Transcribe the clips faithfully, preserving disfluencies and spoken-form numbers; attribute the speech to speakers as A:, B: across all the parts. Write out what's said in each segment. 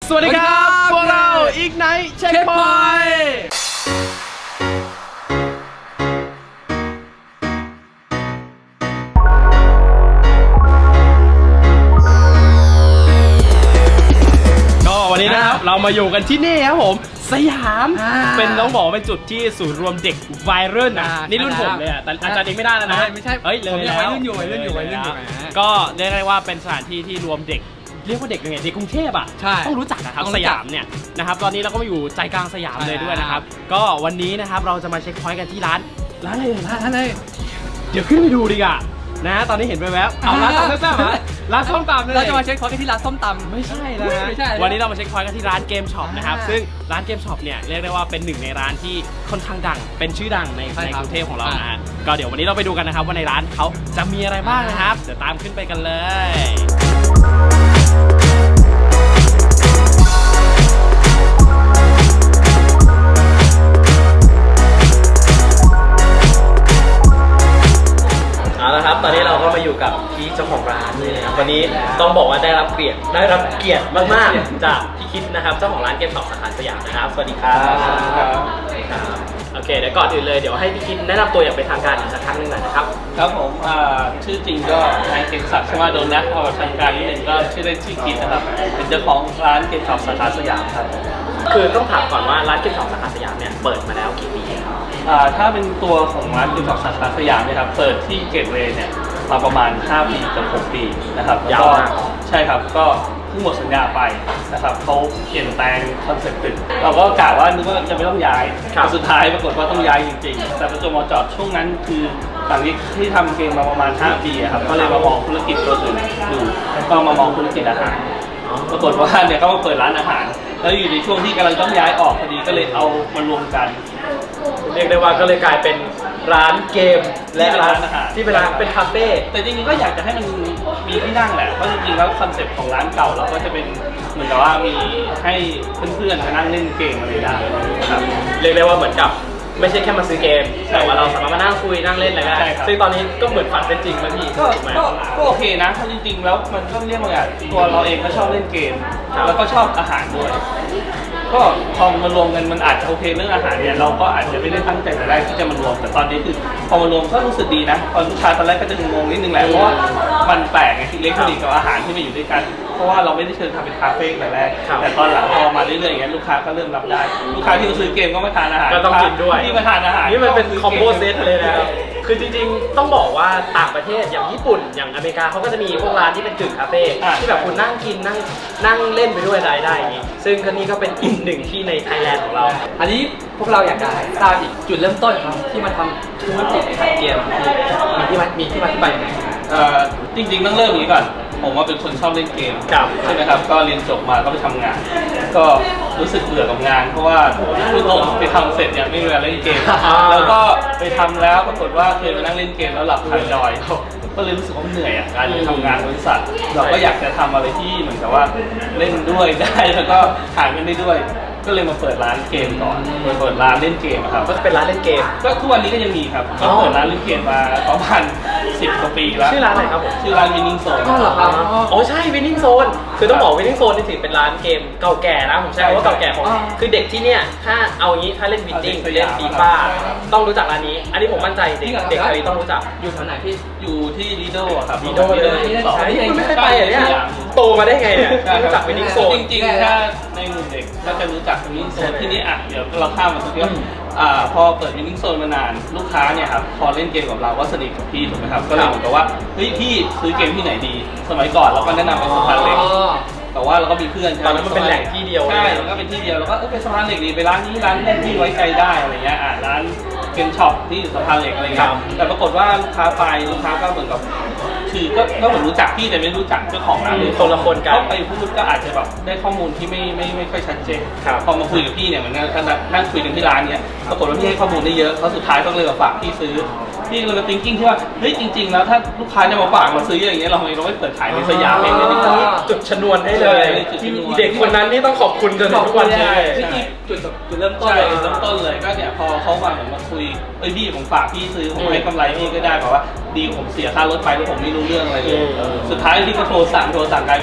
A: สวัสดีครับพวกเราอีกไนท์เช็คพอยต์ก็วันนี้นะครับเรามาอยู่กันที่นี่ครับผมสยามเป็นต้องบอกเป็นจุดที่ศูนย์รวมเด็กวัยรุ่นนะนี่รุ่นผมเลยอ่ะแต่อาจารย์เองไม่ได้แล้วนะ
B: ไม่ใช่
A: เฮ้ยเลยแล้ว
B: วัยรุ่นอยู่วัยรุ่นอยู่วัยรุ่นอยู่
A: ก็เรียกได้ว่าเป็นสถานที่ที่รวมเด็กเรียกว่าเด็กยังไงเด็กกรุงเทพอ่ะต้องรู้จักนะครับสยามเนี่ยนะครับตอนนี้เราก็มาอยู่ใจกลางสยามเลยด้วยนะครับก็วันนี้นะครับเราจะมาเช็คพอยต์กันที่ร้านร้านอะไรร้านอะไรเดี๋ยวขึ้นไปดูดีกว่านะตอนนี้เห็นไปแวบเอาร้านส้มตำร้านส้มตำ
B: เราจะมาเช็คพอยต์กันที่ร้านส้มตำ
A: ไม่ใช่แล้วนะวันนี้เรามาเช็คพอยต์กันที่ร้านเกมช็อปนะครับซึ่งร้านเกมช็อปเนี่ยเรียกได้ว่าเป็นหนึ่งในร้านที่ค่อนข้างดังเป็นชื่อดังในในกรุงเทพของเรานะก็เดี๋ยววันนี้เราไปดูกันนะครับว่าในร้านเขาจะมีอะไรบ้างนะครับเดี๋ยวตามขึ้นไปกันเลยเอาละครับตอนนี้เราก็มาอยู่กับพี่เจ้าของร้านนี่นะครับวันนี้ต้องบอกว่าได้รับเกียรติได้รับเกียรติมากๆจากพี่คิดนะครับเจ้าของร้านเกมช็อปสาขาสยามนะครับสวัสดีครับครับโอเคเดี๋ยวก่อนอื่นเลยเดี๋ยวให้พี่คิดแนะนำตัวอย่างเป็นทางการอีกสักครั้งหนึ่งหน่อยนะครับ
C: ครับผมชื่อจริงก็นายเกมศักดิ์ชมาดลนะพอทางการนิดหนึ่งก็ชื่อเล่นชื่อคิดนะครับเป็นเจ้าของร้านเกมช็อปสาขาสยามครับ
A: คือต้องถามก่อนว่าร้านเกมช็อปสาขาสยามเนี่ยเปิดมาแล้วกี่ปีครับ
C: ถ้าเป็นตัวของร้านเกมช็อปสาขาสยามเนี่ยครับเปิดที่เกตเวย์เนี่ยมาประมาณห้าปีกับหกปีนะครับ
A: ยาวมาก
C: ใช่ครับก็เพิ่งหมดสัญญาไปนะครับเขาเปลี่ยนแปลงคอนเซ็ปต์ตึกเราก็กะว่านึกว่าจะไม่ต้องย้ายแต่สุดท้ายปรากฏว่าต้องย้ายจริงๆแต่ประจวบเหมาะเจาะช่วงนั้นคือหลังที่ที่ทำเกมมาประมาณห้าปีครับก็เลยมามองธุรกิจตัวอื่นดูก็มามองธุรกิจอาหารปรากฏว่าเนี่ยเขามาเปิดร้านอาหารแล้วอยู่ในช่วงที่กำลังต้องย้ายออกพอดีก็เลยเอามารวมกัน
A: เรียกได้ว่าก็เลยกลายเป็นร้านเกมและร้านอาหารที่เป็นร้านเป็นคาเฟ่
C: แต่จริงๆก็อยากจะให้มันมีที่นั่งแหละเพราะจริงๆแล้วคอนเซ็ปต์ของร้านเก่าเราก็จะเป็นเหมือนกับว่ามีให้เพื่อนๆมานั่งเล่นเกมอะไรได้ครับ
A: เรียกได้ว่าเหมือนกับไม่ใช่แค่มาซื้อเกมแต่ว่าเราสามารถมานั่งคุยนั่งเล่นอะไรได้ซึ่งตอนนี้ก็เหมือนฝันเป็นจริงแล้วพี่
C: ก็ก็โอเคนะเพราะจริงๆแล้วมันก็เรียกว่าไงตัวเราเองก็ชอบเล่นเกมแล้วก็ชอบอาหารด้วยก็พอมารวมกันมันอาจจะโอเคเรื่องอาหารเนี่ยเราก็อาจจะไม่ได้ตั้งใจแต่แรกที่จะมารวมแต่ตอนนี้คือพอมารวมก็รู้สึกดีนะตอนลูกค้าตอนแรกก็จะงงนิดนึงแหละเพราะว่ามันแปลกไงที่อิเล็กทรอนิกส์กับอาหารที่มาอยู่ด้วยกันเพราะว่าเราไม่ได้เชิญทำเป็นคาเฟ่แต่แรกแต่ตอนหลังพอมาเรื่อยๆอย่างเงี้ยลูกค้าก็เริ่มรับได้ลูกค้าที่มาซื้อเกมก็มาทานอาหาร
A: ก็ต้องกินด้วย
C: ที่มาทานอาหาร
A: นี่มันเป็นคอมโบเซตเลยนะครับคือจริงๆต้องบอกว่าต่างประเทศอย่างญี่ปุ่นอย่างอเมริกาเขาก็จะมีพวกร้านที่เป็นกึ่งคาเฟ่ที่แบบคุณนั่งกินนั่งนั่งเล่นไปด้วยรายได้อย่างงี้ซึ่งก็นี่ก็เป็นอีกหนึ่งที่ในไทยแลนด์ของเรา
B: อันนี้พวกเราอยากจะทราบอีกจุดเริ่มต้นครับที่มาทำธุรกิจขายเกมมีที่มามีที่มาที่ไปยังไง
C: จริงๆต้องเริ่มอย่างนี้ก่อนผมว่าเป็นคนชอบเล่นเกมใช่ไหมครับก็เรียนจบมาก็ไปทำงานก็รู้สึกเบื่อกับงานเพราะว่าพูดตรงไปทำเสร็จเนี่ยไม่มีเวลาเล่นเกมแล้วก็ไปทำแล้วปรากฏว่าเคยมานั่งเล่นเกมแล้วหลับคาจอยก็เลยรู้สึกว่าเหนื่อยอ่ะการทำงานบริษัทเราก็อยากจะทำอะไรที่เหมือนกับว่าเล่นด้วยได้แล้วก็หาเงินได้ด้วยก็เลยมาเปิดร้านเกมก่อนเปิดร้านเล่นเกมครับ
A: ก็เป็นร้านเล่นเกม
C: ก็ทุกวันนี้ก็ยังมีครับก็เปิดร้านเล่นเกมมาประมาณสิบกว่าปีแล้ว
A: ชื่อร้านอะไรครับผม
C: ชื่อร้าน Winning Zone
B: ก็เหรอครับ
A: อ๋อใช่ Winning Zone คือต้องบอก Winning Zone นี่ถือเป็นร้านเกมเก่าแก่นะผมใช้คำว่าเก่าแก่ของคือเด็กที่เนี่ยถ้าเอางี้ถ้าเล่น Winning เล่นฟีฟ่าต้องรู้จักร้านนี้อันนี้ผมมั่นใจเด็กเด็กไทยต้องรู้จัก
B: อยู่แถวไหนพี่
C: อยู่ที่ลีโดครับ
A: ลีโดเลยคุณไม่เคยไปเหรอเนี่ยโตมาได้ไงเนี่ยรู้จัก Winning Zone
C: จริงๆถ้าในหมู่เด็กก็จะรู้จัก Winning Zone ที่นี่อ่ะเดี๋ยวเราข้ามมาสักเรื่องอ่าพอเปิด Winning Zone มานานลูกค้าเนี่ยครับพอเล่นเกมกับเราก็สนิทกับพี่ถูกไหมครับก็เลยเหมือนกับว่าเฮ้ยพี่ซื้อเกมที่ไหนดีสมัยก่อนเราก็แนะนำไปสะพานเหล็กแต่ว่าเราก็มีเพื่อน
A: ตอนนั้นมันเป็นแหล่งที่เดียว
C: ใช่แล้วก็เป็นที่เดียวแล้วก็เออไปสะพานเหล็กดีไปร้านนี้ร้านเล่นที่ไว้ใจได้อะไรเงี้ยอ่ะร้านเกมช็อปที่อยู่สะพานเหล็กอะไรเงี้ยแต่ปรากฏว่าลูกค้าไปลูกค้าก็เหมือนกับคือก็ก็เหมือนรู้จักพี่แต่ไม่รู้จักเจ้าของร้าน
A: คนละคนกัน
C: เขาไปพูดก็อาจจะแบบได้ข้อมูลที่ไม่ไม่ไม่ค่อยชัดเจนพอมาคุยกับพี่เนี่ยเหมือนกันนั่งคุยกันที่ร้านเนี่ยปรากฏว่าพี่ให้ข้อมูลได้เยอะเขาสุดท้ายก็เลยมาฝากพี่ซื้อพี่เลยมา thinking ที่ว่าเฮ้ยจริงๆแล้วถ้าลูกค้าจะมาฝากมาซื้ออย่างเงี้ยเราเราไม่เปิดขายในสยามเองเลยดีกว่า
A: จุดชนวนให้เลยเด็กคนนั้นนี่ต้องขอบคุณจนถึงทุกวันนี้
C: ที่จุดจุดเริ่มต้นเลยเริ่มต้นเลยก็เนี่ยพอเขามาเหมือนมาคุยเอ้ยพี่ผมฝากพี่ซื้อผมให้กำไรพี่ก็ได้แบบว่าดีผมเสียค่ารถไปแล้วผมไม่รู้เรื่องอะไรเลยสุดท้ายพี่ก็โทรสั่งโทรสั่งกลายเป็นว่าเอ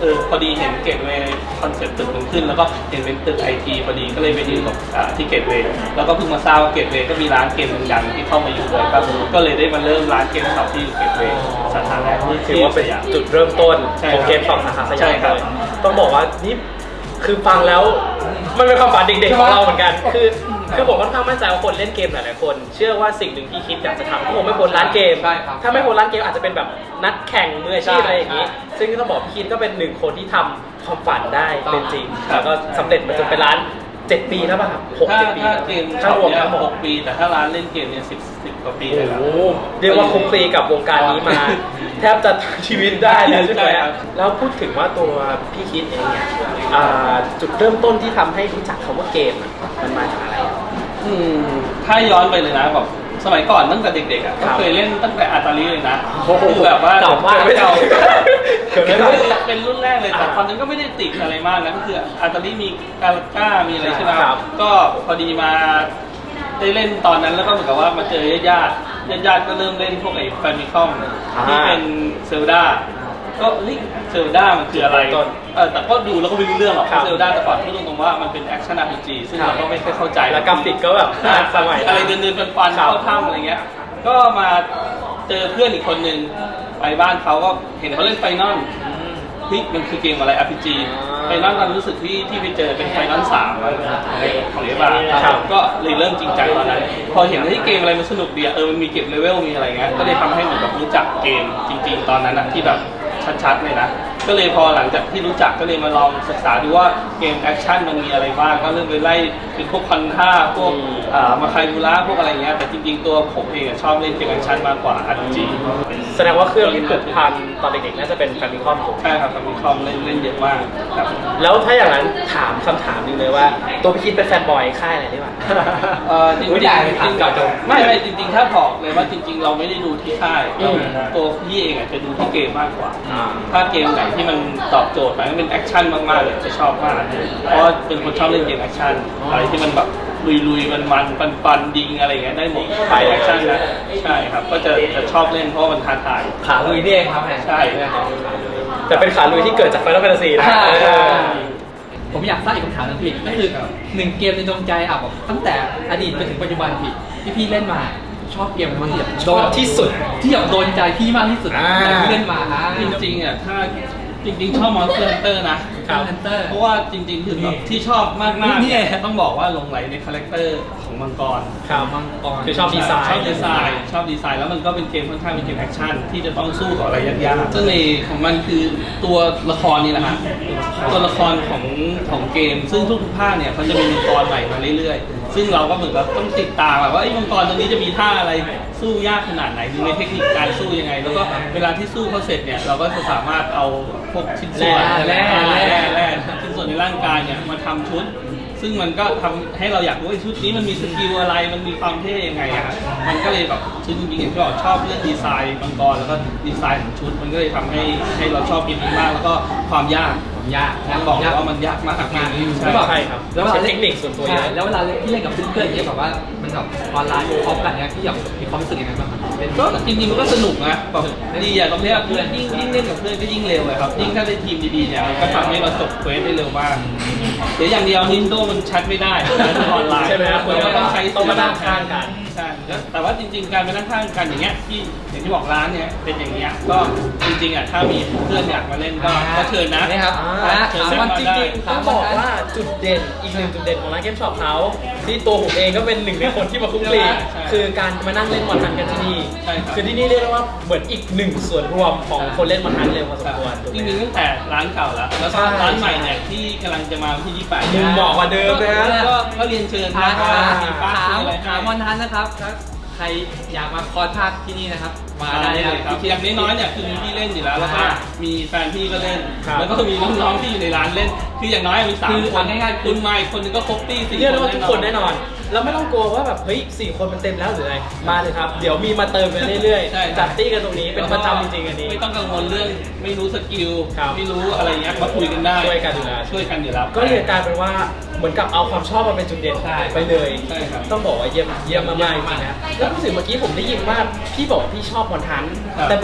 C: ออพอดีเห็นเกตเวย์คอนเซ็ปต์ตึกมันขึ้นแล้วก็เห็นเป็นตึกไอทีพอดีก็เลยไปดีลกับที่เกตเวย์แล้วก็เพิ่งมาทราบว่าเกตเวย์ก็มีร้านเกมดังๆที่เข้ามาอยู่ด้วยครับก็เลยได้มาเริ่มร้านเกมช็อปที่อยู่เกตเวย์สาขาแรกที่
D: ถือว่าเป็นจุดเริ่มต้นของเกมช็อปสาขาสยามเลยต้องบอกว่านี่คือฟังแล้วมันเป็นความฝันเด็กๆของเราเหมือนกันคือคือผมค่อนข้างมั่นใจว่าคนเล่นเกมหลายๆคนเชื่อว่าสิ่งหนึ่งที่คิดอยากจะทำก็คงไม่พ้นร้านเกมถ้าไม่พ้นร้านเกมอาจจะเป็นแบบนัดแข่งมืออาชีพอะไรอย่างนี้ซึ่งต้องบอกพี่คิดก็เป็นหนึ่งคนที่ทำความฝันได้เป็นจริงแล้วก็สำเร็จมาจนเป็นร้านเจ็ดปีแล้วป่ะครับหก
C: ถ้า
D: เจ็ดปี
C: ถ้าเกม
D: ถ้ารวมทั้งหมด
C: หกปีแต่ถ้าร้านเล่นเกมเนี่ยสิบสิบกว่าปี
D: โอ้
C: เลยครับ
D: โหเรียกว่าคลุกคลีกับวงการนี้มา แทบจะชีวิตได้แล้วใช่ไหมแล้วพูดถึงว่าตัวพี่คิดเองเนี่ยอ่าจุดเริ่มต้นที่ทำให้รู้จักคำว่าเกมอะมันมาจากอะไร
C: อืมถ้าย้อนไปเลยนะแบบสมัยก่อนตั้งแต่เด็กๆอ่ะก็เคยเล่นตั้งแต่อาตาลีเลยนะคือแบบว่า
D: เก่ามาก
C: เก่า
D: เกิดไม่ทัน
C: เป็นรุ่นแรกเลยแต่ตอนนั้นก็ไม่ได้ติดอะไรมากนะก็คืออาตาลีมีกาลาก้ามีอะไรใช่ไหม
D: ครับ
C: ก็พอดีมาได้เล่นตอนนั้นแล้วก็เหมือนกับว่ามาเจอญาติญาติญาติๆก็เริ่มเล่นพวกไอ้แฟมิคอมที่เป็นเซลดาก็เฮ้ยเซลดามันคืออะไรเออแต่ก็ดูแล้วก็ไม่รู้เรื่องหรอกเซลดาแต่ก่อนพูดตรงๆว่ามันเป็นแอคชั่น อาร์ พี จี ซึ่งเราก็ไม่ค่อยเข้าใจ
D: แล้วกราฟิกก็แบบสมัย
C: อะไรเดินเดินฟันฟันเข้าถ้ำอะไรเงี้ยก็มาเจอเพื่อนอีกคนนึงไปบ้านเขาก็เห็นเขาเล่นไฟนอลเฮ้ยมันคือเกมอะไร อาร์ พี จี ไฟนอลตอนรู้สึกที่ที่ไปเจอเป็นไฟนอลสามของเอฟอาร์ก็เลยเริ่มจริงจังตอนนั้นพอเห็นที่เกมอะไรมันสนุกดีเออมันมีเก็บเลเวลมีอะไรเงี้ยก็เลยทำให้เหมือนแบบรู้จักเกมจริงๆตอนนั้นอะที่แบบชัดๆเลยนะก็เลยพอหลังจากที่รู้จักก็เลยมาลองศึกษาดูว่าเกมแอคชั่นมันมีอะไรบ้างก็เริ่มไปไล่เป็นพวกคอนท่าพวกมาคายบูระพวกอะไรเงี้ยแต่จริงๆตัวผมเองชอบเล่นเกมแอคชั่นมากกว่า อาร์ พี จี
D: แสดงว่าเครื่องที่ผูกพันตอนเด็กๆน่าจะเป็นแฟมิคอมถูก
C: ใช่ครับแฟมิคอมเล่นเล่นเยอะมากครับ
D: แล้วถ้าอย่างนั้นถามคำถามหนึงเลยว่าตัวพี่คิดเป็นแฟนบอยค่ายอะไรได้บ้าง
C: เออจริง
D: อุ๊ย
C: ๆ
D: ได้ไหมครับ
C: จริง
D: เก่าจัง
C: ไม่ไม่จริงๆถ้าบอกเลยว่าจริง ๆ เราไม่ได้ดูที่ค่าย
D: อืม
C: ตัวพี่เองอาจจะดูที่เกมมากกว่า
D: อ่า
C: ถ้าเกมไหนที่มันตอบโจทย์มันก็เป็นแอคชั่นมากๆเลยจะชอบมากเพราะเป็นคนชอบเล่นเกมแอคชั่นอะไรที่มันแบบลุยๆมันๆปันๆยิงอะไรอย่างเงี้ยได้หมดไปแอคชั่นนะใช่ครับก็จะจะชอบเล่นเพราะมันท้าทาย
B: ขาลุยนี่เองครับแม่
C: ใช่
D: แต่เป็นขาลุยที่เกิดจากไฟนอลแฟนตาซีนะ
B: ใช่
D: เออ
B: ผมอยากทราบอีกคำถามหนึงพี่ก็คือหนึ่งเกมในดวงใจอ่ะแบบตั้งแต่อดีตจนถึงปัจจุบันพี่ที่พี่เล่นมาชอบเกมอะไรบ้างที่แบบ
D: ชอบที่สุด
B: ที่แบบโดนใจพี่มากที่สุด
D: อ่า
B: ที่เล่นมาอ่า
C: จริงๆอ่ะถ้าจริงๆชอบมอนสเตอร์ฮันเตอร์นะ
B: ครับ Hunter
C: เพราะว่าจริงๆคือแบบที่ชอบมากๆ
B: นี่
C: เนี่ยต้องบอกว่าหลงไหลในคาแรคเตอร์ของมังกร
D: ครับ
B: มังกร
D: คือชอบดีไซน์
C: ชอบดีไซน์ชอบดีไซน์แล้วมันก็เป็นเกมค่อนข้างเป็นเกมแอคชั่นที่จะต้องสู้กับอะไรยากๆเสน่ห์ของมันคือตัวละครนี่แหละฮะตัวละครของของเกม ซึ่งทุกๆภาคเนี่ยเขาจะมีมังกรใหม่มาเรื่อยๆซึ่งเราก็เหมือนกับต้องติดตามแบบว่าไอ้มังกรตัวนี้จะมีท่าอะไรสู้ยากขนาดไหนมีเทคนิคการสู้ยังไง แล้วก็เวลาที่สู้เขาเสร็จเนี่ยเราก็จะสามารถเอาพวกชิ้นส่วน
B: แร่แร่
C: แร่แร่ชิ้นส่วนในร่างกายเนี่ยมาทำชุด ซึ่งมันก็ทำให้เราอยากรู้ว่าชุดนี้มันมีสกิลอะไร มันมีความเท่ยังไงอะครับมันก็เลยแบบชุดจริงๆอย่างที่บอกชอบเรื่องดีไซน์มังกรแล้วก็ดีไซน์ของชุด มันก็เลยทำให้ให้เราชอบเกมนี้มาก แล้วก็ความยาก
B: ผมยาก
C: นะบอกเลยว่ามันยากมากมาก
D: ใช่ใช่ครับแล้วใช้เทคนิคส่วนตัวเย
B: ใช่
D: อะ
B: แล้วเวลาพี่เล่นกับเพื่อนๆอย่างเงี้ยแบบว่ามันแบบออนไลน์พร้อมกันเนี่ยพี่อยากมีความรู้สึกยังไงบ้างครับเล่น
C: ก็จริงๆมันก็สนุกนะแบบดีอะตรงที่ว่าเพื่อนยิ่งยิ่งเล่นกับเพื่อนก็ยิ่งเร็วเลยครับยิ่งถ้าได้ทีมดีๆเนี่ยมันก็ทำให้เราจบเควสได้เร็วมากเดี๋ยวอย่างเดียวนินโดมันชัดไม่ได้ออนไลน์
D: ใช่ไหมครับ
C: มันก็ต้องใช้
D: ต้องมานั่งข้างกัน
C: ใช่แล้วแต่ว่าจริงๆการไปนั่งข้างกันอย่างเงี้ยที่อย่างที่บอกร้านเนี่ยเป็นอย่างเงี้ยก็จริงๆอ่ะถ้ามีเพื่อนอยากมาเล่นก็ก็เชิญนะ
B: นี่ครับ
D: อ่า
C: เชิญ
D: ถาม
C: เชิญ
D: ว่า
C: มา
D: จ
C: ได้
D: ริงๆต้องบอกว่าจุดเด่นอีกหนึ่งจุดเด่นของร้านเกมช็อปเขาที่ตัวผมเองก็เป็นหนึ่งในคนที่มาคุกคลีคือการมานั่งเล่นมอนทันกันที่นี่
C: ใช่ครับ
D: คือที่นี่เรียกได้ว่าเหมือนอีกหนึ่งส่วนรวมของคนเล่นมอนทันเลยพอสมควรถูก
C: จ
D: ไหม
C: ริงๆตั้งแต่ร้านเก่าแล้วแล้วก็
D: ใช่
C: ร้านใหม่เนี่ยที่กำลังจะมาวันที่ยี่สิบแปด
D: มุมเหมาะกว่าเดิมนะฮะ
C: ก็ก็เรียนเชิญ
B: ถา
C: นะ
B: ม
C: ว่า
B: ถาม
C: มีป้า
B: ถาม
C: อะไร
B: ถามมอนทันนะครับถ้าใครอยากมาคอร์สภาคที่นี่นะครับ มา
C: มา
B: ได้
C: ได้
B: เล
C: เลย ย
B: ค
C: ค
B: รั
C: รั
B: บบ
C: อย่างน้อยๆเนี่ยคือมีพี่เล่นอยู่แล้วแล้วก็
B: อ่า
C: มีแฟนพี่ก็เล่น
D: ครับ
C: แล้วก็มีน้องๆที่อยู่ในร้านเล่น คืออย่างน้อยมีสาม
B: คือ
C: คน
B: เอาง่ายๆ
C: คุณมาอีกคนนึงก็ครบตี้สี่
D: เรียกได้ว่า
C: ค
D: ทุกคนแน่นอน แล้วไม่ต้องกลัวว่าแบบเฮ้ยสี่คนมันเต็มแล้วหรืออะไรมาเลยครับ เดี๋ยวมีมาเติมกันเรื่อย
C: ใช่
D: ๆจัดตี้กันตรงนี้เป็นประจำจริงๆอันนี้
C: ไม่ต้องกังวลเรื่องไม่รู้สกิล
D: ครับ
C: ไม่รู้อะไรเงี้ยมาคุยกันได้
D: ช่วยกันอยู่แล้ว
C: ช่วยกันอยู่แล้ว
D: ก็เลยกลายเป็นว่าเหมือนกับเอาความชอบมาเป็นจุดเด่น
B: ใช่
D: ไปเลย
C: ใช่ครับ
D: ต้องบอกว่าเยี่ยมเยี่ยมมากๆจริงๆนะแล้วรู้สึกเมื่อกี้ผมได้ยินว่าพี่บอกว่าพี่ชอบมอนทัน
C: ครับ
D: แต่เหมือนพี่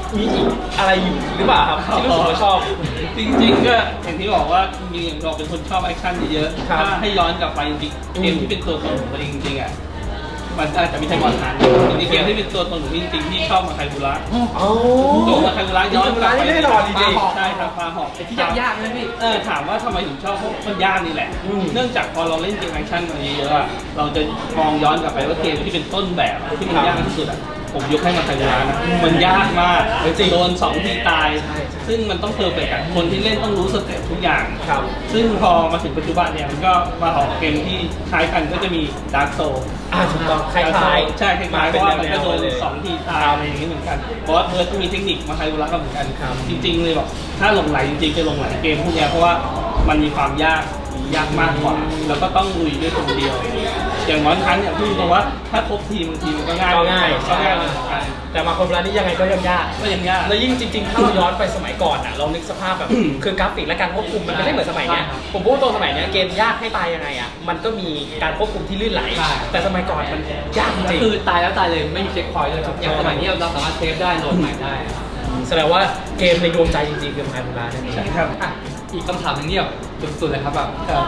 D: มีอีกอะไรอยู่หรือเปล่าครับที่รู้สึกว่าชอบ
C: จริงๆก็อย่างที่บอกว่าจริงๆอย่างเราเป็นคนชอบแอคชั่นเยอะ
D: ครับ
C: ๆถ้าให้ย้อนกลับไปจริงๆเกมที่เป็นตัวตนของตัวเองจริงๆอ่ะมันอาจจะไม่ใช่บอลทันจริงๆเกมที่เป็นตัวตนของพี่จริงๆที่ชอบมาไคบูระ
D: อ๋อ
C: ตัวมาไคบูระย้อนกลับไป
D: แน่นอนจริงๆ
C: ใช่ครับปลาหอก
B: ที่ยากๆนะพี่
C: เออถามว่าทำไมถึงชอบเพราะมันยากนี่แหละ
D: อืม
C: เนื่องจากพอเราเล่นเกมแอคชั่นมาเยอะๆอะเราจะมองย้อนกลับไปว่าเกมที่เป็นต้นแบบที่มันยากที่สุดอ่ะผมยกให้มาไคบูระนะมันยากมากโดนสองทีตาย ซึ่งมันต้องเพอร์เฟกต์อะคนที่เล่นต้องรู้สเต็ปทุกอย่าง
D: ครับ
C: ซึ่งพอมาถึงปัจจุบันเนี่ยมันก็มาออกเกมที่คล้ายกันก็จะมีดาร์กโซ
D: อ่าถูกต้องคล้ายๆ
C: ใช่คล้ายๆเพราะว่ามันก็โดน
D: เลย
C: สองทีตายอะไรอย่างนี้เหมือนกันเพราะว่าเธอก็มีเทคนิคมาไคบูระก็เหมือนกัน
D: ครับ
C: จริงๆเลยบอกถ้าหลงไหลจริงๆจะหลงไหลเกมพวกเนี้ยเพราะว่ามันมีความยากยากมากกว่า แล้วก็ต้องลุยด้วยคนเดียว อย่างวันครั้งเนี่ยพูดตรงว่าถ้าครบทีมบางทีมันก็ง่าย
D: ก็ง่าย
C: ก็ง่ายเหมือนกัน
D: แต่มาคนเวลานี้ยังไงก็ยังยาก
C: ก็ยังยาก
D: แล้วยิ่งจริงๆ ถ้าเราย้อนไปสมัยก่อนอ่ะ เรานึกสภาพแบบ คือกราฟิกและการควบคุมมันไม่ได้เหมือนสมัยเนี้ย ผมพูดตรงสมัยเนี้ยเกมยากให้ตายยังไงอ่ะ มันก็มีการควบคุมที่ลื่นไหล
B: ใช่
D: แต่สมัยก่อนมันยากจริง
B: คือตายแล้วตายเลยไม่มีเช็คพอยต์เลยครับอย่างสมัยนี้เราสามารถเซฟได้โหลดใหม่ได้
D: แสดงว่าเกมในดวงใจจริงๆคือไมค์บูรานั่นเอง
C: ใช่ครับ
B: อ่ะอีกคำถามหนึงที่แบบสุดๆเลยครับแบบ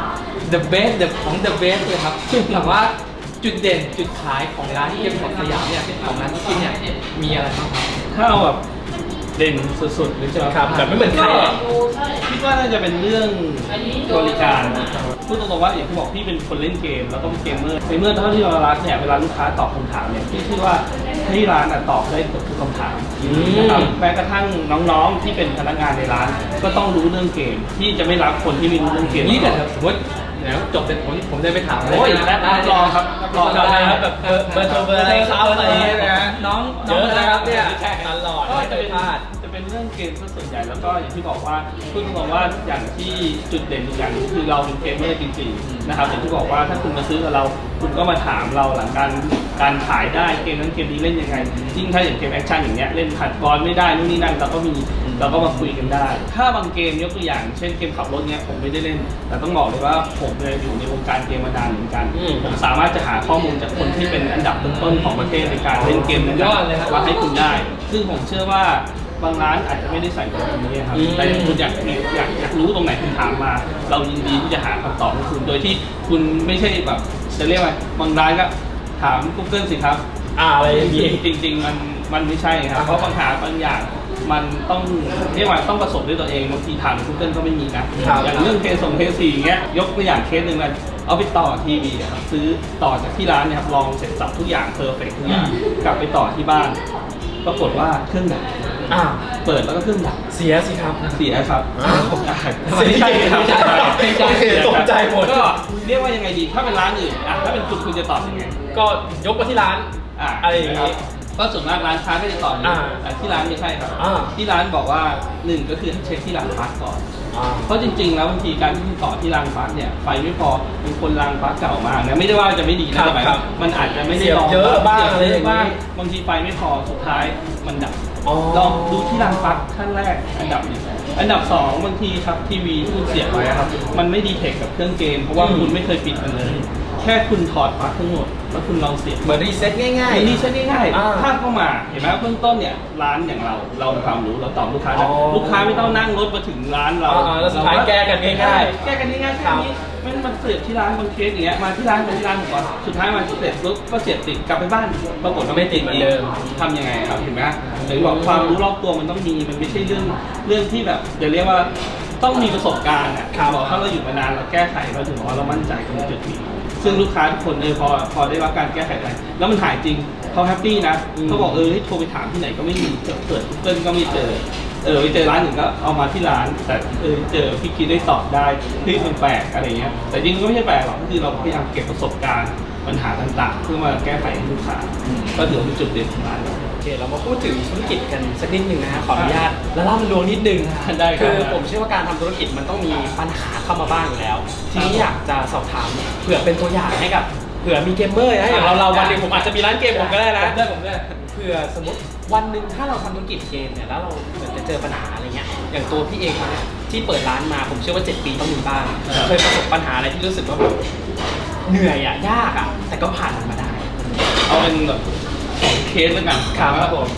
B: the best the ของ the best เลยครับแบบว่าจุดเด่นจุดขายของร้านเกมของสยามเนี่ยของร้านที่เนี่ยมีอะไรบ้างครับ
C: ถ้าเอาแบบเด่นสุดๆหรือจะ
D: ครับแบบไม่เหมือนใคร
C: ก็
D: อะ
C: คิดว่าน่าจะเป็นเรื่องบริการพูดตรงๆว่าอย่างที่บอกพี่เป็นคนเล่นเกมแล้วก็เป็นเกมเมอร์ในเมื่อเท่าที่เรารักเนี่ยเวลาลูกค้าตอบคำถามเนี่ยพี่คิดว่าที่ร้านอะตอบได้เกือบทุกคำถามนะครับแม้กระทั่งน้องๆที่เป็นพนักงานในร้าน ก็ต้องรู้เรื่องเกมที่จะไม่รับคนที่ไม่รู้เรื่องเกม
B: นี่แต่สมมติเดี๋ยวจบเสร็จผมผมจะไปถามเลย
C: โอ้ย
B: นะ
C: รับรองครับรับรอง
D: จำได้ครับแบบเบอร์เบอร์โทรเบอร์อะไรครับอะไรอย่างเงี้ยนะ
B: น้อง
D: เยอะนะครับเนี่ย
C: ใช่
D: ตลอด
C: ก็
D: ไม่เค
C: จะ
D: ย
C: เป็น
D: พลาด
C: จะเป็นเรื่องเกมซะส่วนใหญ่แล้วก็อย่างที่บอกว่าพูดตรงๆว่าอย่างที่จุดเด่นอีกอย่างหนึ่งคือเราเป็นเกมเมอร์จริงๆนะครับอย่างที่บอกว่าถ้าคุณมาซื้อกับเราคุณก็มาถามเราหลังการการขายได้เกมนั้นเกมนี้เล่นยังไงยิ่งถ้าอย่างเกมแอคชั่นอย่างเงี้ยเล่นขัดบอลไม่ได้นู่นนี่นั่นเราก็มีเราก็มาคุยกันได้ ถ้าบางเกมยกตัวอย่างเช่นเกมขับรถเนี้ยผมไม่ได้เล่น แต่ต้องบอกเลยว่าผมเลยอยู่ในวงการเกมมานานเหมือนกัน
D: อืม
C: ผมสามารถจะหาข้อมูลจากคนที่เป็นอันดับต้นๆของประเทศในการเล่นเกมนั้น
B: ยอดเลยครับ
C: มาให้คุณได้ ซึ่งผมเชื่อว่าบางร้านอาจจะไม่ได้ใส่ตรงนี้ครับ
D: อืม
C: แต่คุณอยากอยากอยากรู้ตรงไหนคุณถามมา เรายินดีที่จะหาคำตอบให้คุณ โดยที่คุณไม่ใช่แบบจะเรียกว่าบางร้านก็ถาม Google สิครับ
D: อ่าอะไรอย่างงี้
C: จริงจริงๆมันมันไม่ใช่ครับ เพราะปัญหาบางอย่างมันต้องเรียกว่าต้องประสบด้วยตัวเองบางทีถาม Google ก็ไม่มีนะ
D: ครับ
C: อย่างเรื่องเพย์ส่งเพย์สี่อย่างเงี้ยยกตัวอย่างเคสหนึ่งเลยเอาไปต่อทีวีอะครับซื้อต่อจากที่ร้านเนี่ยครับลองเสร็จสับทุกอย่างเพอร์เฟกทุกอย่างกลับไปต่อที่บ้าน ปรากฏว่าเครื่องดับ
D: อ่า
C: เปิดแล้วก็เครื่องดับ
D: เสียสิครับ
C: เสียครับ
D: อ้าว
C: ไม่ใช่ครับ
D: ไม่ใช่ตกใจหมด
C: ก็เรียกว่ายังไงดี ถ้าเป็นร้านอื่นอ่ะถ้าเป็นคุณคุณจะตอบยังไง
D: ก็ยกมาที่ร้าน
C: อ่ะ
D: อะไรอย่างงี้
C: ก็ส่วนมากร้านค้าก็จะตอบอย่างนี้
D: อ่า
C: แต่ที่ร้านไม่ใช่ครับ
D: อ่า
C: ที่ร้านบอกว่าหนึ่งก็คือเช็คที่รางปลั๊กก่อน
D: อ่า
C: เพราะจริงๆ แล้วบางทีการที่คุณต่อที่รางปลั๊กเนี่ยไฟไม่พอเป็นคนรางปลั๊กเก่ามากนะไม่ได้ว่าจะไม่ดี
D: ครั
C: นะ
D: บ
C: แต่หมาย
D: ครั
C: ว่า
D: บ
C: มันอาจจะไม่ได้
D: เสียบ
C: รอง
D: เยอะบ้าง
C: เสีย
D: อะไรอย่างงี้
C: บ้างบางทีไฟไม่พอสุดท้ายมันดับ
D: อ๋อ
C: ลองดูที่รางปลั๊กขั้นแรกอันดับหนึ่งอันดับสองบางทีครับทีวีที่คุณเสียบไว้อะครับมันไม่ดีเทคกับเครื่องเกมเพราะว่า
D: อืม
C: คุณไม่เคยปิดมันเลย แค่คุณถอดปลั๊กทั้งหมดแล้วคุณลองเสียบ
D: เหมือนรีเซ็ตง่าย
C: อันนี้ใช้ง่าย
D: อ่า
C: ๆถ้าเข้ามาเห็นไหมเบื้องต้นเนี่ยร้านอย่างเราเรามีความรู้เราตอบลูกค้าได้
D: อ๋อ
C: ลูกค้าไม่ต้องนั่งรถมาถึงร้านเรา
D: อ่าแล้วสุดท้ายแก้กันง่ายๆ
C: แก้กันง่ายๆแค่นี้มันมันเสียบที่ร้านบางเคสอย่างเงี้ยมาที่ร้านมาที่ร้านผมก่อนสุดท้ายมาเสร็จปุ๊บก็เสียบติดกลับไปบ้านปรากฏว่าไม่ติด
D: ไม่ติดเหมือนเดิม
C: ทำยังไงครับเห็นไหมหรือบอกความรู้รอบตัวมันต้องมีมันไม่ใช่เรื่องเรื่องที่แบบเดี๋ยวเรียกว่าต้องมีประสบการณ์อ่ะบอกถ้าเราอยู่มานานเราแก้ไขเราถึงบอกว่าเรามั่นใจตรงจุดนี้ซึ่งลูกค้าทุกคนเออพอพอได้รับการแก้ไขไปแล้วมันหายจริงเขาแฮปปี้นะเขาบอกเออให้โทรไปถามที่ไหนก็ไม่มีเปิด Google ก็ไม่เจอเออไปเจอร้านหนึ่งก็เอามาที่ร้าน แต่เออเจอพี่คิดได้ตอบได้ที่มันแปลกอะไรเงี้ยแต่จริงก็ไม่ใช่แปลกหรอกก็คือเราพยายามเก็บประสบการณ์ปัญหาต่างๆ เพื่อมาแก้ไขให้ลูกค้าก็ถือว่าเป็นจุดเด่นของร้านเรา
D: โอเคเรามาพูดถึงธุรกิจกันสักนิดหนึ่งนะฮะขออนุญาตแล้วเล่าลวงนิดนึงนะฮะ
C: ได้ครับ
D: คือผมเชื่อว่าการทำธุรกิจมันต้องมีปัญหาเข้ามาบ้างอยู่แล้ว ทีนี้อยากจะสอบถามเผื่อเป็นตัวอย่างให้กับเผื่อมีเกมเมอร์นะอย่างเราเราวันหนึงผมอาจจะมีร้านเกมผมก็ได้นะ
B: ผมได้ผมได้
D: เผื่อสมมติวันหนึ่งถ้าเราทำธุรกิจเกมเนี่ยแล้วเราเหมือนจะเจอปัญหาอะไรเงี้ยอย่างตัวพี่เองเนี่ยที่เปิดร้านมาผมเชื่อว่าเจ็ดปีต้องมีบ้างเคยประสบปัญหาอะไรที่รู้สึกว่าแบบเหนื่อยอ่ะยากอ่ะแต่ก็ผ่านมันมาได้
C: เอาเป็นแบบสองเคสแล้วกัน
D: ครับ
C: ว่า
D: ผม
C: เค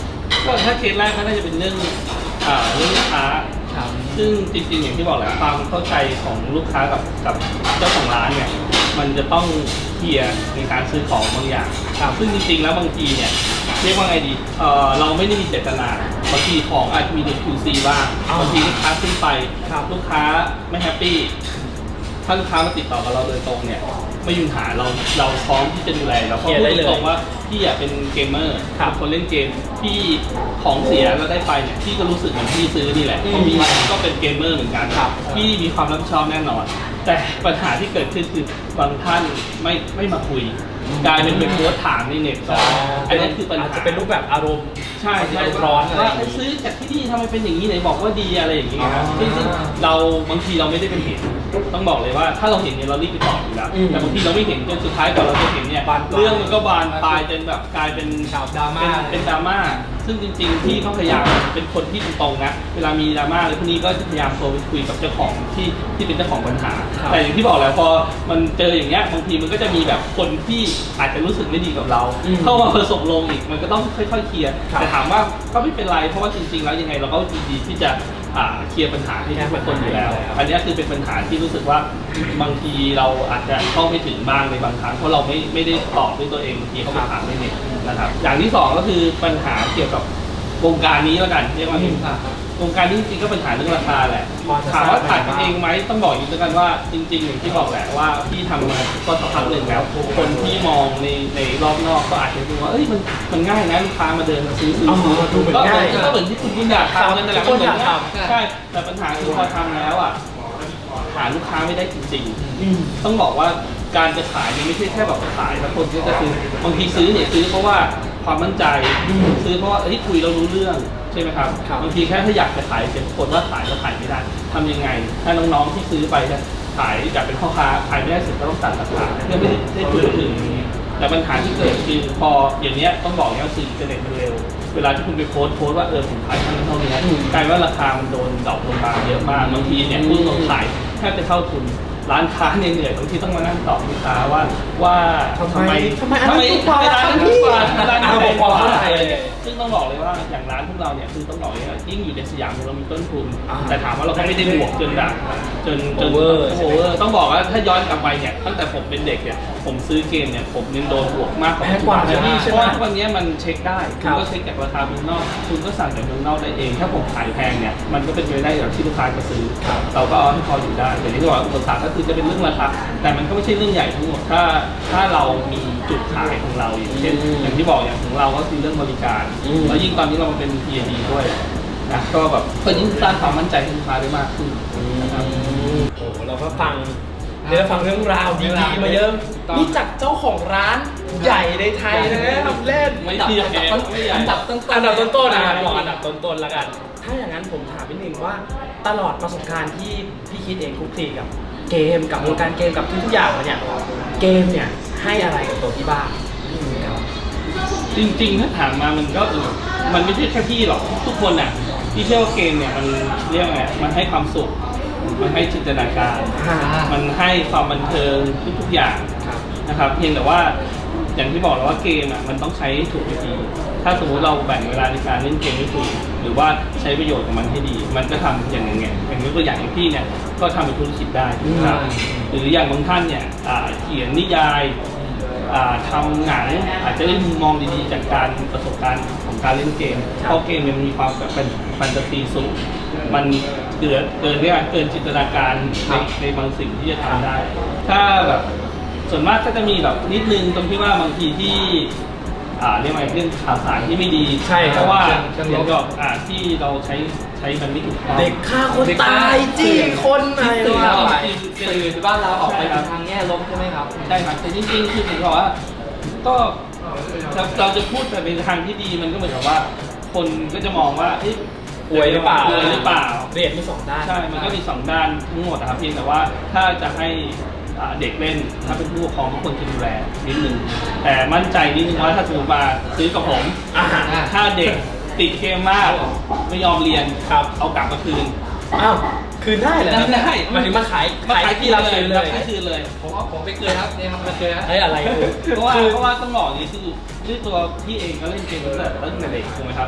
C: ก็ถ้าเคสแรกก็น่าจะเป็นเรื่องอ่าเรื่องลูกค้าซึ่งจริงๆอย่างที่บอกแหละความเข้าใจของลูกค้ากับกับเจ้าของร้านเนี่ยมันจะต้องเคลียร์ในการซื้อของบางอย่างซึ่งจริงๆแล้วบางทีเนี่ยเรียกว่าไงดีเออเราไม่ได้มีเจตนาบางทีของอาจจะมีใน คิว ซี บ้างบางทีลูกค้าขึ้นไปลูกค้าไม่แฮปปี้ถ้าลูกค้ามาติดต่อกับเราโดยตรงเนี่ยไม่มีปัญหาเราเราพร้อมที่จะดูแลเราก็พูดตรงว่าพี่อยากเป็นเกมเมอร์คนเล่นเกมพี่ของเสียแล้วได้ไปเนี่ยพี่ก็รู้สึกเหมือนพี่ซื้อนี่แหละเพราะพี่ก็เป็นเกมเมอร์เหมือนกันพี่มีความรับผิดชอบแน่นอนแต่ปัญหาที่เกิดขึ้นคือบางท่านไม่ไม่มาคุยกลายเป็นไปโพสต์ถามในเน็ตต่ออันนี้คือปัญหา
D: จะเป็นรูปแบบอารมณ์
C: ใช่ใช่ร้อนว่าซื้อจากที่นี่ทำไมเป็นอย่างนี้ไหนบอกว่าดีอะไรอย่างนี้นะซึ่งเราบางทีเราไม่ได้เป็นเหตุต้องบอกเลยว่าถ้าเราเห็นเนี่ยเรารีบไปตอบอยู่แล้วแต่บางทีเราไม่เห็นจนสุดท้ายก่อนเราจะเห็นเนี่ยเรื่องมันก็บานปลายจนแบบกลายเป็น
B: ข่าวดราม่า
C: เป็นดราม่าซึ่งจริงๆที่เขาพยายามเป็นคนที่ตรงๆนะเวลามีดราม่าอะไรพวกนี้ก็จะพยายามโทรไปคุยกับเจ้าของที่ที่เป็นเจ้าของปัญหาแต่อย่างที่บอกแหละพอมันเจออย่างเงี้ยบางทีมันก็จะมีแบบคนที่อาจจะรู้สึกไม่ดีกับเราเข้ามาผสมลงอีกมันก็ต้องค่อยๆเคลียร์แต่ถามว่าก็ไม่เป็นไรเพราะว่าจริงๆแล้วยังไงเราก็ยินดีที่จะเคลียร์ปัญหาให้ทุกคนอยู่แล้วอันนี้คือเป็นปัญหาที่รู้สึกว่าบางทีเราอาจจะเข้าไม่ถึงบ้างในบางครั้งเพราะเราไม่ไม่ได้ตอบด้วยตัวเองบางทีเขาไปถามในเน็ตนะครับอย่างที่สองก็คือปัญหาเกี่ยวกับวงการนี้แล้วกันเรียกว่าเห็นวงการนี้จริงๆก็ปัญหาเรื่องราคาแหละถามว่าถ่ายกันเองไหมต้องบอกอย่างนี้แล้วกันว่าจริงๆอย่างที่บอกแหละว่าพี่ทำมาก็สักพักหนึ่งแล้วคนที่มองในในรอบนอกก็อาจจะดูว่าเอ้ยมันมันง่ายนะลูกค้ามาเดินมาซื้อซื้อก็ง่ายก็เหมือนที่คุณคุณอยากทำนั่นแหละก็เหมือนใช่แต่ปัญหาคือพอทำแล้วอ่ะหาลูกค้าไม่ได้จริงๆต้องบอกว่าการจะขายมันไม่ใช่แค่แบบขายแล้วคนก็จะซื้อบางทีซื้อเนี่ยซื้อเพราะว่าความมั่นใจซื้อเพราะว่าเฮ้ยคุยเรารู้เรื่องใช่ไหมครับบางทีแค่ถ้าอยากจะขายเป็นคนว่าขายก็ขายไม่ได้ทำยังไงถ้าน้องๆที่ซื้อไปจะขายอยากเป็นพ่อค้าขายไม่ได้สุดก็ต้องตัดราคาเพื่อไม่ได้พูดถึงแต่ปัญหาที่เกิดคือพออย่างเนี้ยต้องบอกว่าสื่ออินเทอร์เน็ตมันเร็วเวลาที่คุณไปโพสต์โพสต์ว่าเออผมขายเท่านี้เท่านี้กลายว่าราคามันโดนดรอปลงมาเยอะมากบางทีเนี่ยผู้ลงขายแทบจะเท่าทุนร้านค้าเนี่ยเหนื่อยบางทีต้องมานั่งตอบลูกค้าว่าว่าทำไมทำไมทำไมร้านนั้นถูกกว่าร้านนี้แพงกว่าซึ่งต้องบอกเลยว่าอย่างร้านพวกเราเนี่ยคือต้องบอกเลยว่ายิ่งอยู่ในสยามเรามีต้นทุนแต่ถามว่าเราก็ไม่ได้บวกจนแบบจนจนโอเวอร์โอเวอร์ต้องบอกว่าถ้าย้อนกลับไปเนี่ยตั้งแต่ผมเป็นเด็กเนี่ยผมซื้อเกมเนี่ยผมยังโดนบวกมากกว่าทุกวันนี้เพราะว่าวันนี้มันเช็คได้คุณก็เช็คจากราคาเมืองนอกคุณก็สั่งจากเมืองนอกได้เองถ้าผมขายแพงเนี่ยมันก็เป็นไปได้อย่างที่ลูกค้าจะซื้อเราก็เอาให้พออยู่ได้แต่ที่บอกอุปสรรคก็คือจะเป็นเรื่องราคาแต่มันก็ไม่ใช่เรื่องใหญ่ทั้งหมดถ้าถ้าเรามีจุดขายของเราอย่างเช่นอย่างที่บอกอย่างของเราก็คือเรื่องบริการแล้วยิ่งตอนนี้เรามาเป็น พี เอ ดี ด้วยนะก็แบบก็ยิ่งสร้างความมั่นใจให้ลูกค้าได้มากขึ้นนะครับ
D: โอ้เราก็ฟังได้ฟังเรื่องราวดีๆมาเยอะนี่จากเจ้าของร้านใหญ่ในไทยนะทำเล่น
C: ไม่ใช่
D: อันดับต้นๆอันดับต้นๆนะครับบอกอันดับต้นๆแล้วกันถ้าอย่างนั้นผมถามนิดนึงว่าตลอดประสบการณ์ที่พี่คิดเองคุกคีกับเกมกับวงการเกมกับทุกๆอย่างเนี่ยเกมเนี่ยให้อะไรกับตัวพี่บ้าง
C: จริงๆถ้าถามมามันก็มันไม่ใช่แค่พี่หรอกทุกคนอ่ะพี่เชื่อว่าเกมเนี่ยมันเรียกไงมันให้ความสุขมันให้จินตนาการมันให้ความบันเทิงทุกๆอย่างนะครับเพียงแต่ว่าอย่างที่บอกแล้วว่าเกมอ่ะมันต้องใช้ถูกวิธีถ้าสมมุติเราแบ่งเวลาในการเล่นเกมไม่ถูกหรือว่าใช้ประโยชน์ของมันให้ดีมันก็ทำอย่างอย่างเงี้ยอย่างยกตัวอย่างอย่างพี่เนี่ยก็ทำเป็นธุรกิจได้นะครับหรืออย่างบางท่านเนี่ยเขียนนิยายทำหนังอาจจะได้มุมมองดีๆจากการประสบการณ์ของการเล่นเกมเพราะเกมมันมีความแบบเป็นแฟนตาซีสูงมันเกิดเกินเรียกว่าเกินจินตนาการในในบางสิ่งที่จะทำได้ถ้าแบบส่วนมากก็จะมีแบบนิดนึงตรงที่ว่าบางทีที่เรียกว่าเรื่องข่าวสารที่ไม่ดีเพราะว่าเรื่องก็ที่เราใช้ใช้มันไม่ถูกต้อง
D: เด็กฆ่าคนตายจี้คนอะไร
B: สื่อเราสื่อบ้านเราออกไปทางแง่ลบใช่ไหมครับ
C: ใช่ครับแต่จริงๆคือผมบอกว่าก็เราจะพูดแต่ในทางที่ดีมันก็เหมือนกับว่าคนก็จะมองว่า
D: ป่วยหรือเปล่า
C: ป่วยหรือเปล่า
D: เรียนมีสองด้าน
C: ใช่มันก็มีสองด้านทั้งหมดนะครับเพียงแต่ว่าถ้าจะให้เด็กเล่นถ้าเป็นผู้ปกครองก็ควรจะดูแลนิดนึงแต่มั่นใจนิดนึงว่าถ้าสมมติมาซื้อกับผมถ้าเด็กติดเกมมากไม่ยอมเรียนครับเอากลับมาคืน
D: อ้าวคืนได้เหรอ
C: ได้
D: มาถึงมาขาย
C: มาขายที่เราเลยเลยขายคืนเลย
B: ผมว่าผมไปเกินครับเนี่ยมันเกินครับ
D: เฮ้ยอะไร
C: เพราะว่าเพราะว่าต้องบอกนี่คือด้วยตัวพี่เองก็เล่นเกมตั้งแต่ตั้งแต่เด็กถูกไหมครับ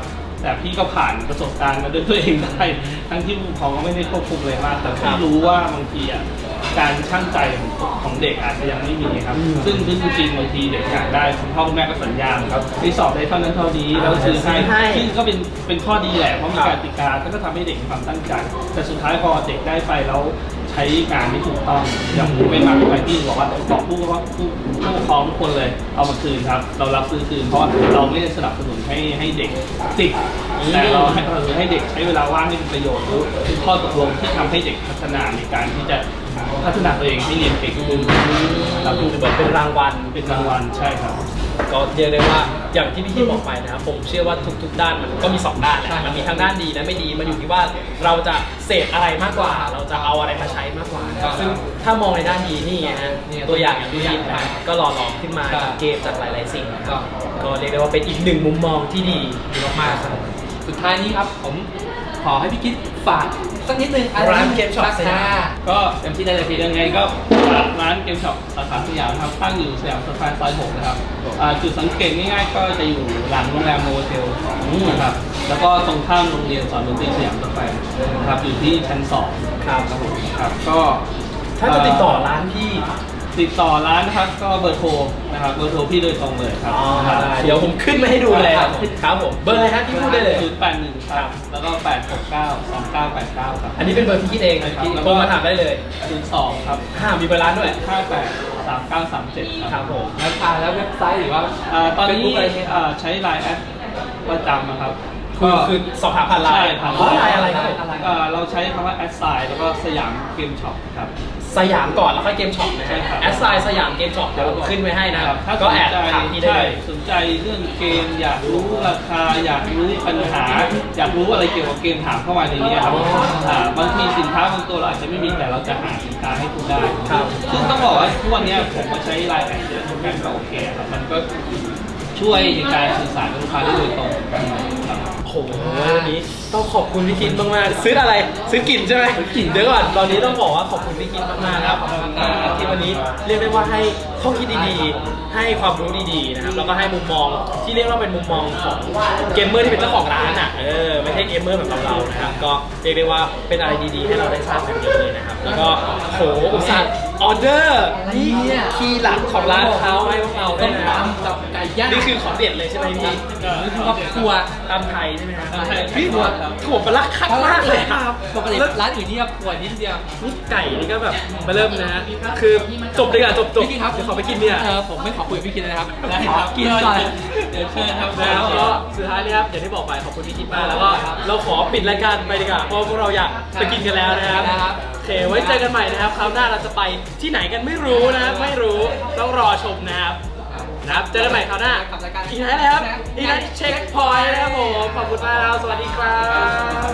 C: แต่พี่ก็ผ่านประสบการณ์มาด้วยตัวเองได้ทั้งที่ผู้ปกครองก็ไม่ได้ควบคุมเลยมากแต่พี่รู้ว่าบางทีอ่ะการช่างใจของเด็กอาจจะยังไม่มีครับซึ่งซึ่งจริงๆบางทีเด็กอยากได้คุณพ่อคุณแม่ก็สัญญาครับที่สอบได้เท่านั้นเท่านี้แล้วซื้อให้ซึ่งก็เป็นเป็นข้อดีแหละเพราะมีการติกาก็ทำให้เด็กมีความตั้งใจแต่สุดท้ายพอเด็กได้ไปแล้วใช้การไม่ถูกต้องอย่างเป็นมาเป็นไปที่บอกว่าบอกผู้ว่าผู้ผู้ปกครองทุกคนเลยเอามาคืนครับเรารับซื้อคืนเพราะเราไม่ได้สนับสนุนให้ให้เด็กติดแต่เราให้เราให้เด็กใช้เวลาว่างให้เป็นประโยชน์คือข้อตกลงที่ทำให้เด็กพัฒนาในการที่จะพัฒนาตัวเองให้เรียนเก่งขึ้นเราดูเหมือนเป็นรางวัลเป็นรางวัลใช่ครับ
D: ก็เรียกได้ว่าอย่างที่พี่คิดบอกไปนะครับผมเชื่อว่าทุกๆด้านมันก็มีสองด้านแหละมันมีทั้งด้านดีและไม่ดีมันอยู่ที่ว่าเราจะเสพอะไรมากกว่าเราจะเอาอะไรมาใช้มากกว่าซึ่งถ้ามองในด้านดีนี่ไงฮะตัวอย่างอย่างที่คิดนะก็หล่อหลอมขึ้นมาจากเกมจากหลายๆสิ่งก็ก็เรียกได้ว่าเป็นอีกหนึ่งมุมมองที่ดีมากๆครับ
B: สุดท้ายนี้ครับผมขอให้พี่คิดฝากสักนิดนึง
D: ร้านเกมช็อปสยาม
C: ก็เต็มที่ได้เลยพี่ยังไงก็ร้านเกมช็อปสาขาสยามครับตั้งอยู่สยามสแควร์ซอยหกนะครับจุดสังเกตง่ายๆก็จะอยู่หลังโรงแรมโนเทลนะครับแล้วก็ตรงข้ามโรงเรียนสอนดนตรีสยามสแควร์นะครับอยู่ที่ชั้นสองครับครับผมครับก็
D: ถ้าจะติดต่อร้านพี่
C: ติดต่อร้านนะครับก็เบอร์โทรนะครับเบอร์โทรพี่โดยตรงเลยครับ
D: เดี๋ยวผมขึ้นมาให้ดูเลยครับผมเบอร์อะไรฮะที่พูดได้เลย
C: ศูนย์แปดหนึ่งครับแล้วก็แปดหกเก้าสองเก้าแปดเก้าครับ
D: อันนี้เป็นเบอร์ที่คิดเองโทรมาถามได้เลย
C: ศูนย์สองครับ
D: ห้ามีเบอร์ร้านด้วย
C: ห้าแปดสามเก้าสามเจ็ด
D: ครับผม
B: แล้วอ่าแล้วเว็บไซต์หรือว่า
C: ตอนนี้ใช้ไลน์แอดประจำนะครับ
D: คือคือสอบถามผ่านไลน์
C: ผ่านไลน์อะไรครับเราใช้คำว่าแอดไซน์แล้วก็สยามเกมช็อปครับ
D: สยามก่อนแล้วค่อยเกมช็อปนะฮะแอดไซน์สยามเกมช็อปเดี๋ยวขึ้นไว้ให้นะครับก็แอดถามที่ได้
C: สนใจเรื่องเกมอยากรู้ราคาอยากรู้ปัญหาอยากรู้อะไรเกี่ยวกับเกมถามเข้ามาในนี้ครับบางทีสินค้าบางตัวเราอาจจะไม่มีแต่เราจะหาสินค้าให้คุณได้ซึ่งต้องบอกว่าทุกวันนี้ผมมาใช้ไลน์แอดเยอะทุกการก็โอเคครับมันก็ช่วยในการสื่อสารกับลูกค้าได้โดยตรงครับ
D: โอ้โหวันนี้ต้องขอบคุณพี่คิดมากๆซื้ออะไรซื้อกลิ่นใช่ไหมกลิ่นเดี๋ยวก่อนตอนนี้ต้องบอกว่าขอบคุณพี่คิดมากๆครับที่วันนี้เรียกได้ว่าให้ข้อคิดดีๆให้ความรู้ดีๆนะครับแล้วก็ให้มุมมองที่เรียกว่าเป็นมุมมองของเกมเมอร์ที่เป็นเจ้าของร้านอ่ะเออไม่ใช่เกมเมอร์แบบเราๆนะครับก็เรียกได้ว่าเป็นอะไรดีๆให้เราได้ทราบกันเยอะเลยนะครับแล้วก็โหอุตส่าห์ออเดอร์นี่คีย์หลักของร้านเขาให้พวกเราได้นะกับไก่ย่างนี่คือของเด็ดเลยใช่ไหมพี่
B: นี่คือครัว
D: ตำไทยใช่ไหมครับ
B: พี่
D: ถั่วถั่วปลาคักมากเลยครับ
B: ปกติร้านอื่นนี่ถั่วนิดเดียว
D: นี่ไก่นี่ก็แบบมาเริ่มนะฮะคือจบเลยอ่ะจบจบ
B: พี่ครับ
D: เดี๋ยวขอไปกินเนี่ย
B: เออผมไม่ขอคุยพี่กินนะครับขอกินก่อนเดี๋ยวเชิญครับ
D: แล้วก็สุดท้ายนี่ครับอย่างที่บอกไปขอบคุณพี่คิดมากแล้วก็เราขอปิดรายการไปดีกว่าเพราะพวกเราอยากไปกินกันแล้วนะครับโอเคไว้เจอกันใหม่นะครับคราวหน้าเราจะไปที่ไหนกันไม่รู้นะไม่รู้ต้องรอชมนะครับนะครับเจอกันใหม่คราวหน้าอีกไหนเลยครับอีกไหนเช็คพอยต์นะครับผมขอบคุณมากครับสวัสดีครับ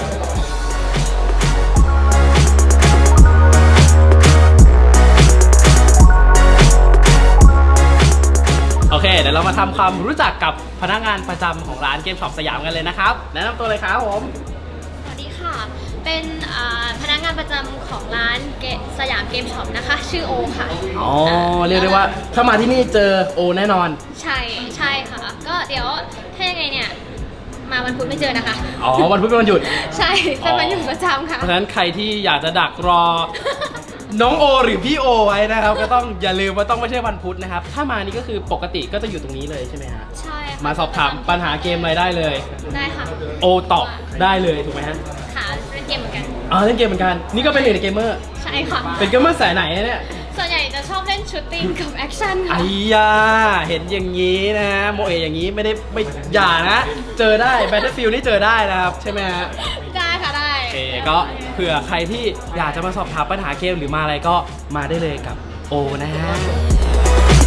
A: โอเคเดี๋ยวเรามาทำความรู้จักกับพนักงานประจำของร้านเกมช็อปสยามกันเลยนะครับแนะนำตัวเลยครับผม
E: สวัสดีค่ะเป็นพนักงานประจำของร้านสยามเกมช็อปนะคะชื่อโอค่ะ
A: อ๋อเรียกได้ว่าถ้ามาที่นี่เจอโอแน่นอน
E: ใช่ใช่ค่ะก็เดี๋ยวถ้ายังไงเนี่ยมาวันพุธไม่เจอนะคะ
A: อ๋อวันพุธเป็นวันหยุด
E: ใช่เป็นวันหยุดประจำค่ะ
A: เพราะฉะนั้นใครที่อยากจะดักรอน้องโอหรือพี่โอไว้นะครับก็ต้องอย่าลืมว่าต้องไม่ใช่วันพุธนะครับถ้ามานี่ก็คือปกติก็จะอยู่ตรงนี้เลยใช่ไหมฮะ
E: ใช่
A: มาสอบถามปัญหาเกมอะไรได้เลย
E: ได้ค่ะ
A: โอตอบได้เลยถูกไหมฮะ
E: ค่ะเล่นเกมเหมือนกัน
A: อ๋อเล่นเกมเหมือนกันนี่ก็เป็นหนึ่งในเกมเมอร์
E: ใช่ค่ะ
A: เป็นเกมเมอร์สายไหนเนี่ย
E: ส่วนใหญ่จะชอบเล่นชูตติ้งกับแอคชั่นค่ะ
A: ไอ้ยาเห็นอย่างนี้นะโมเออย่างนี้ไม่ได้ไม่อย่านะเจอได้ Battlefield นี่เจอได้นะครับใช่ไหมฮะ
E: ได้ค่ะได้
A: โอเคก็เผื่อใครที่อยากจะมาสอบถามปัญหาเกมหรือมาอะไรก็มาได้เลยกับโอนะฮะ